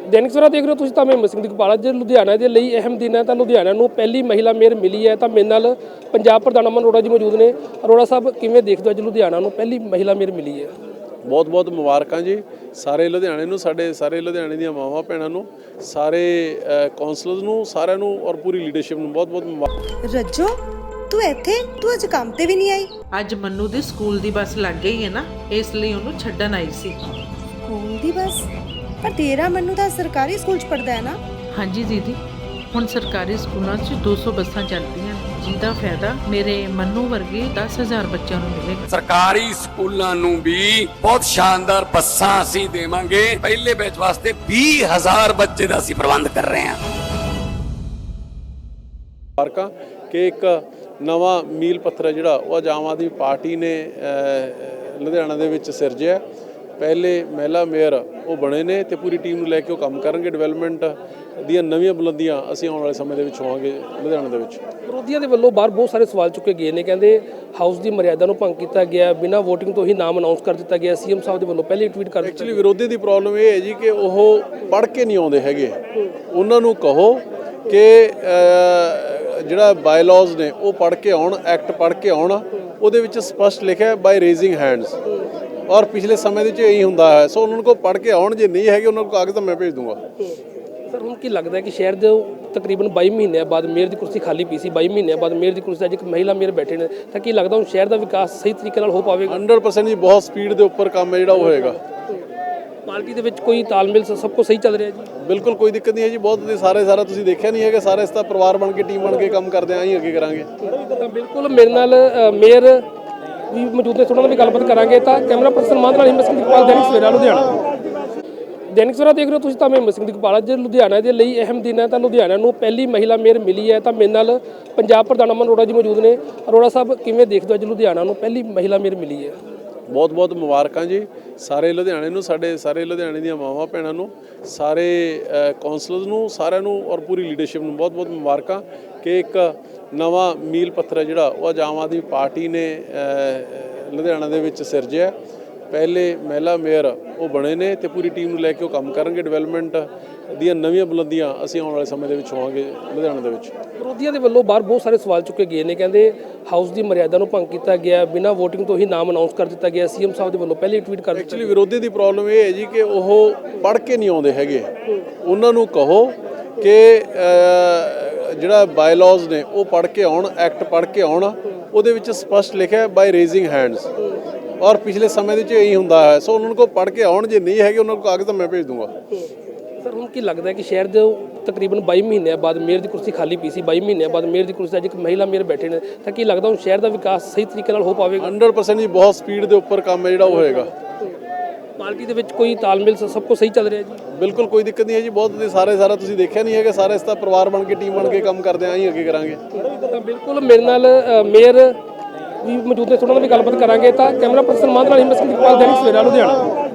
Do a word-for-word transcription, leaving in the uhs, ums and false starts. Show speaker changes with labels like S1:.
S1: दैनिक सवेरा देख रहे हो तुसीं तां मैं हिम्मत सिंह दिगपाल। अज लुधियाना दे लई अहम दिन है। तो लुधियाना नूं पहली महिला मेयर मिली है। तो मेरे नाल पंजाब प्रधान अमन अरोड़ा जी मौजूद ने। अरोड़ा साहब किवें देखदे हो अज लुधियाना नूं पहली महिला मेयर मिली है?
S2: बहुत बहुत मुबारकां जी सारे लुधियाने नूं, साडे सारे लुधियाने दीआं मावां भैणां नूं, सारे कौंसलर्स नूं, सारिआं नूं और पूरी लीडरशिप नूं बहुत बहुत मुबारक।
S3: रज्जो तू ਇੱਥੇ ਤੂੰ ਅੱਜ ਕੰਮ ਤੇ ਵੀ ਨਹੀਂ ਆਈ?
S4: ਅੱਜ ਮੰਨੂ ਦੀ ਸਕੂਲ ਦੀ ਬੱਸ ਲੱਗ ਗਈ ਹੈ ਨਾ, ਇਸ ਲਈ ਉਹਨੂੰ ਛੱਡਣ ਆਈ ਸੀ।
S3: ਸਕੂਲ ਦੀ ਬੱਸ? ਪਰ ਤੇਰਾ ਮੰਨੂ ਤਾਂ ਸਰਕਾਰੀ ਸਕੂਲ 'ਚ ਪੜਦਾ ਹੈ ਨਾ?
S4: ਹਾਂਜੀ ਦੀਦੀ, ਹੁਣ ਸਰਕਾਰੀ ਸਕੂਲਾਂ 'ਚ ਦੋ ਸੌ ਬੱਸਾਂ ਚੱਲਦੀਆਂ ਜਿਹਦਾ ਫਾਇਦਾ ਮੇਰੇ ਮੰਨੂ ਵਰਗੇ ਦਸ ਹਜ਼ਾਰ ਬੱਚਿਆਂ ਨੂੰ ਮਿਲੇਗਾ।
S5: ਸਰਕਾਰੀ ਸਕੂਲਾਂ ਨੂੰ ਵੀ ਬਹੁਤ ਸ਼ਾਨਦਾਰ ਬੱਸਾਂ ਅਸੀਂ ਦੇਵਾਂਗੇ। ਪਹਿਲੇ ਬੈਚ ਵਾਸਤੇ ਵੀਹ ਹਜ਼ਾਰ ਬੱਚੇ ਦਾ ਅਸੀਂ ਪ੍ਰਬੰਧ ਕਰ ਰਹੇ ਹਾਂ।
S2: ਮੁਬਾਰਕਾਂ ਕਿ ਇੱਕ ਨਵਾਂ ਮੀਲ ਪੱਥਰ ਹੈ ਜਿਹੜਾ ਉਹ ਅੱਜ ਆਮ ਆਦਮੀ ਪਾਰਟੀ ਨੇ ਲੁਧਿਆਣਾ ਦੇ ਵਿੱਚ ਸਿਰਜਿਆ। ਪਹਿਲੇ ਮਹਿਲਾ ਮੇਅਰ ਉਹ ਬਣੇ ਨੇ ਤੇ ਪੂਰੀ ਟੀਮ ਨੂੰ ਲੈ ਕੇ ਉਹ ਕੰਮ ਕਰਨਗੇ। ਡਿਵੈਲਪਮੈਂਟ ਦੀਆਂ ਨਵੀਆਂ ਬੁਲੰਦੀਆਂ ਅਸੀਂ ਆਉਣ ਵਾਲੇ ਸਮੇਂ ਦੇ ਵਿੱਚ ਹੋਵਾਂਗੇ ਲੁਧਿਆਣਾ ਦੇ ਵਿੱਚ।
S1: ਵਿਰੋਧੀਆਂ ਦੇ ਵੱਲੋਂ ਬਾਹਰ ਬਹੁਤ ਸਾਰੇ ਸਵਾਲ ਚੁੱਕੇ ਗਏ ਨੇ। ਕਹਿੰਦੇ ਹਾਊਸ ਦੀ ਮਰਿਆਦਾ ਨੂੰ ਭੰਗ ਕੀਤਾ ਗਿਆ, ਬਿਨਾਂ ਵੋਟਿੰਗ ਤੋਂ ਹੀ ਨਾਮ ਅਨਾਉਂਸ ਕਰ ਦਿੱਤਾ ਗਿਆ। ਸੀਐਮ ਸਾਹਿਬ ਦੇ ਵੱਲੋਂ ਪਹਿਲੇ ਟਵੀਟ ਕਰ ਦਿੱਤਾ।
S2: ਐਕਚੁਅਲੀ ਵਿਰੋਧੀ ਦੀ ਪ੍ਰੋਬਲਮ ਇਹ ਹੈ ਜੀ ਕਿ ਉਹ ਪੜ੍ਹ ਕੇ ਨਹੀਂ ਆਉਂਦੇ ਹੈਗੇ। ਉਹਨਾਂ ਨੂੰ ਕਹੋ ਕਿ ਜਿਹੜਾ ਬਾਇਲਾਜ਼ ਨੇ ਉਹ ਪੜ੍ਹ ਕੇ ਆਉਣ, ਐਕਟ ਪੜ੍ਹ ਕੇ ਆਉਣ। ਉਹਦੇ ਵਿੱਚ ਸਪਸ਼ਟ ਲਿਖਿਆ ਬਾਈ ਰੇਜ਼ਿੰਗ ਹੈਂਡਸ, ਔਰ ਪਿਛਲੇ ਸਮੇਂ ਦੇ ਵਿੱਚ ਇਹੀ ਹੁੰਦਾ ਹੈ। ਸੋ ਉਹਨਾਂ ਨੂੰ ਕੋ ਪੜ੍ਹ ਕੇ ਆਉਣ, ਜੇ ਨਹੀਂ ਹੈਗੇ ਉਹਨਾਂ ਨੂੰ ਕਾਗਜ਼ ਤਾਂ ਮੈਂ ਭੇਜ ਦੂੰਗਾ।
S1: ਸਰ ਹੁਣ ਕੀ ਲੱਗਦਾ ਕਿ ਸ਼ਹਿਰ ਦੇ ਤਕਰੀਬਨ ਬਾਈ ਮਹੀਨਿਆਂ ਬਾਅਦ ਮੇਅਰ ਦੀ ਕੁਰਸੀ ਖਾਲੀ ਪਈ ਸੀ, ਬਾਈ ਮਹੀਨਿਆਂ ਬਾਅਦ ਮੇਅਰ ਦੀ ਕੁਰਸੀ ਅੱਜ ਇੱਕ ਮਹਿਲਾ ਮੇਅਰ ਬੈਠੇ ਨੇ, ਤਾਂ ਕੀ ਲੱਗਦਾ ਹੁਣ ਸ਼ਹਿਰ ਦਾ ਵਿਕਾਸ ਸਹੀ ਤਰੀਕੇ ਨਾਲ ਹੋ ਪਾਵੇਗਾ?
S2: ਹੰਡਰਡ ਪਰਸੈਂਟ ਜੀ ਬਹੁਤ ਸਪੀਡ ਦੇ ਉੱਪਰ ਕੰਮ ਹੈ ਜਿਹੜਾ ਉਹ ਹੋਏਗਾ।
S1: ਪਾਰਟੀ ਦੇ ਵਿੱਚ ਕੋਈ ਤਾਲਮੇਲ ਸਭ ਕੁਝ ਸਹੀ ਚੱਲ ਰਿਹਾ ਜੀ?
S2: ਬਿਲਕੁਲ ਕੋਈ ਦਿੱਕਤ ਨਹੀਂ ਹੈ ਜੀ। ਬਹੁਤ ਵਧੀਆ ਸਾਰੇ ਸਾਰਾ ਤੁਸੀਂ ਦੇਖਿਆ ਨਹੀਂ ਹੈਗਾ, ਸਾਰੇ ਇਸ ਦਾ ਪਰਿਵਾਰ ਬਣ ਕੇ ਟੀਮ ਬਣ ਕੇ ਕੰਮ ਕਰਦੇ ਆਂ ਹੀ ਅੱਗੇ ਕਰਾਂਗੇ।
S1: ਤਾਂ ਬਿਲਕੁਲ ਮੇਰੇ ਨਾਲ ਮੇਅਰ ਵੀ ਮੌਜੂਦ ਨੇ, ਥੋੜਾ ਨਾਲ ਵੀ ਗੱਲਬਾਤ ਕਰਾਂਗੇ। ਤਾਂ ਕੈਮਰਾ ਪਰਸਨ ਮਾਨ ਨਾਲ ਹਿੰਮਤ ਸਿੰਘ ਦਿਗਪਾਲ, ਦੈਨਿਕ ਸਵੇਰਾ ਲੁਧਿਆਣਾ। ਦੈਨਿਕ ਸਵੇਰਾ ਦੇਖ ਰਹੇ ਹੋ ਤੁਸੀਂ ਤਾਂ ਮੈਂ ਹਿੰਮਤ ਸਿੰਘ ਦਿਗਪਾਲ। ਅੱਜ ਲੁਧਿਆਣਾ ਦੇ ਲਈ ਅਹਿਮ ਦਿਨ ਹੈ। ਤਾਂ ਲੁਧਿਆਣਾ ਨੂੰ ਪਹਿਲੀ ਮਹਿਲਾ ਮੇਅਰ ਮਿਲੀ ਹੈ। ਤਾਂ ਮੇਰੇ ਨਾਲ ਪੰਜਾਬ ਪ੍ਰਧਾਨ ਅਮਨ ਅਰੋੜਾ ਜੀ ਮੌਜੂਦ ਨੇ। ਅਰੋੜਾ ਸਾਹਿਬ ਕਿਵੇਂ ਦੇਖਦੇ ਹੋ ਅੱਜ ਲੁਧਿਆਣਾ ਨੂੰ ਪਹਿਲੀ ਮਹਿਲਾ ਮੇਅਰ ਮਿਲੀ ਹੈ?
S2: ਬਹੁਤ ਬਹੁਤ ਮੁਬਾਰਕਾਂ ਜੀ ਸਾਰੇ ਲੁਧਿਆਣੇ ਨੂੰ, ਸਾਡੇ ਸਾਰੇ ਲੁਧਿਆਣੇ ਦੀਆਂ ਮਾਵਾਂ ਭੈਣਾਂ ਨੂੰ, ਸਾਰੇ ਕੌਂਸਲਰਸ ਨੂੰ, ਸਾਰਿਆਂ ਨੂੰ ਔਰ ਪੂਰੀ ਲੀਡਰਸ਼ਿਪ ਨੂੰ ਬਹੁਤ ਬਹੁਤ ਮੁਬਾਰਕਾਂ ਕਿ ਇੱਕ ਨਵਾਂ ਮੀਲ ਪੱਥਰ ਹੈ ਜਿਹੜਾ ਉਹ ਅੱਜ ਆਮ ਆਦਮੀ ਪਾਰਟੀ ਨੇ ਲੁਧਿਆਣਾ ਦੇ ਵਿੱਚ ਸਿਰਜਿਆ। ਪਹਿਲੇ ਮਹਿਲਾ ਮੇਅਰ ਉਹ ਬਣੇ ਨੇ ਤੇ ਪੂਰੀ ਟੀਮ ਨੂੰ ਲੈ ਕੇ ਉਹ ਕੰਮ ਕਰਨਗੇ। ਡਿਵੈਲਪਮੈਂਟ ਦੀਆਂ ਨਵੀਆਂ ਬੁਲੰਦੀਆਂ ਅਸੀਂ ਆਉਣ ਵਾਲੇ ਸਮੇਂ ਦੇ ਵਿੱਚ ਹੋਵਾਂਗੇ ਲੁਧਿਆਣਾ ਦੇ ਵਿੱਚ।
S1: ਵਿਰੋਧੀਆਂ ਦੇ ਵੱਲੋਂ ਬਾਹਰ ਬਹੁਤ ਸਾਰੇ ਸਵਾਲ ਚੁੱਕੇ ਗਏ ਨੇ। ਕਹਿੰਦੇ ਹਾਊਸ ਦੀ ਮਰਿਆਦਾ ਨੂੰ ਭੰਗ ਕੀਤਾ ਗਿਆ, ਬਿਨਾਂ ਵੋਟਿੰਗ ਤੋਂ ਹੀ ਨਾਮ ਅਨਾਉਂਸ ਕਰ ਦਿੱਤਾ ਗਿਆ। ਸੀਐਮ ਸਾਹਿਬ ਦੇ ਵੱਲੋਂ ਪਹਿਲੇ ਟਵੀਟ ਕਰ ਦਿੱਤਾ।
S2: ਐਕਚੁਅਲੀ ਵਿਰੋਧੀ ਦੀ ਪ੍ਰੋਬਲਮ ਇਹ ਹੈ ਜੀ ਕਿ ਉਹ ਪੜ੍ਹ ਕੇ ਨਹੀਂ ਆਉਂਦੇ ਹੈਗੇ। ਉਹਨਾਂ ਨੂੰ ਕਹੋ ਕਿ ਜਿਹੜਾ ਬਾਇਲਾਜ਼ ਨੇ ਉਹ ਪੜ੍ਹ ਕੇ ਆਉਣ, ਐਕਟ ਪੜ੍ਹ ਕੇ ਆਉਣ। ਉਹਦੇ ਵਿੱਚ ਸਪਸ਼ਟ ਲਿਖਿਆ ਬਾਈ ਰੇਜ਼ਿੰਗ ਹੈਂਡਸ, ਔਰ ਪਿਛਲੇ ਸਮੇਂ ਦੇ ਵਿੱਚ ਇਹੀ ਹੁੰਦਾ ਹੈ। ਸੋ ਉਹਨਾਂ ਨੂੰ ਕੋ ਪੜ੍ਹ ਕੇ ਆਉਣ, ਜੇ ਨਹੀਂ ਹੈਗੇ ਉਹਨਾਂ ਨੂੰ ਕਾਗਜ਼ ਤਾਂ ਮੈਂ ਭੇਜ ਦੂੰਗਾ।
S1: ਸਰ ਹੁਣ ਕੀ ਲੱਗਦਾ ਕਿ ਸ਼ਹਿਰ ਦੇ ਤਕਰੀਬਨ ਬਾਈ ਮਹੀਨਿਆਂ ਬਾਅਦ ਮੇਅਰ ਦੀ ਕੁਰਸੀ ਖਾਲੀ ਪਈ ਸੀ, ਬਾਈ ਮਹੀਨਿਆਂ ਬਾਅਦ ਮੇਅਰ ਦੀ ਕੁਰਸੀ ਅੱਜ ਇੱਕ ਮਹਿਲਾ ਮੇਅਰ ਬੈਠੇ ਨੇ, ਤਾਂ ਕੀ ਲੱਗਦਾ ਹੁਣ ਸ਼ਹਿਰ ਦਾ ਵਿਕਾਸ ਸਹੀ ਤਰੀਕੇ ਨਾਲ ਹੋ ਪਾਵੇਗਾ?
S2: ਹੰਡਰਡ ਪਰਸੈਂਟ ਜੀ ਬਹੁਤ ਸਪੀਡ ਦੇ ਉੱਪਰ ਕੰਮ ਹੈ ਜਿਹੜਾ ਉਹ ਹੋਏਗਾ।
S1: ਪਾਰਟੀ ਦੇ ਵਿੱਚ ਕੋਈ ਤਾਲਮੇਲ ਸਭ ਕੁਝ ਸਹੀ ਚੱਲ ਰਿਹਾ ਜੀ?
S2: ਬਿਲਕੁਲ ਕੋਈ ਦਿੱਕਤ ਨਹੀਂ ਹੈ ਜੀ। ਬਹੁਤ ਵਧੀਆ ਸਾਰੇ ਸਾਰਾ ਤੁਸੀਂ ਦੇਖਿਆ ਨਹੀਂ ਹੈਗਾ, ਸਾਰੇ ਇਸ ਦਾ ਪਰਿਵਾਰ ਬਣ ਕੇ ਟੀਮ ਬਣ ਕੇ ਕੰਮ ਕਰਦੇ ਆਂ ਹੀ ਅੱਗੇ ਕਰਾਂਗੇ।
S1: ਤਾਂ ਬਿਲਕੁਲ ਮੇਰੇ ਨਾਲ ਮੇਅਰ ਵੀ ਮੌਜੂਦ ਨੇ, ਥੋੜਾ ਨਾਲ ਵੀ ਗੱਲਬਾਤ ਕਰਾਂਗੇ। ਤਾਂ ਕੈਮਰਾ ਪਰਸਨ ਮਾਨ ਨਾਲ ਹਿੰਮਤ ਸਿੰਘ ਦਿਗਪਾਲ, ਦੈਨਿਕ ਸਵੇਰਾ ਲੁਧਿਆਣਾ।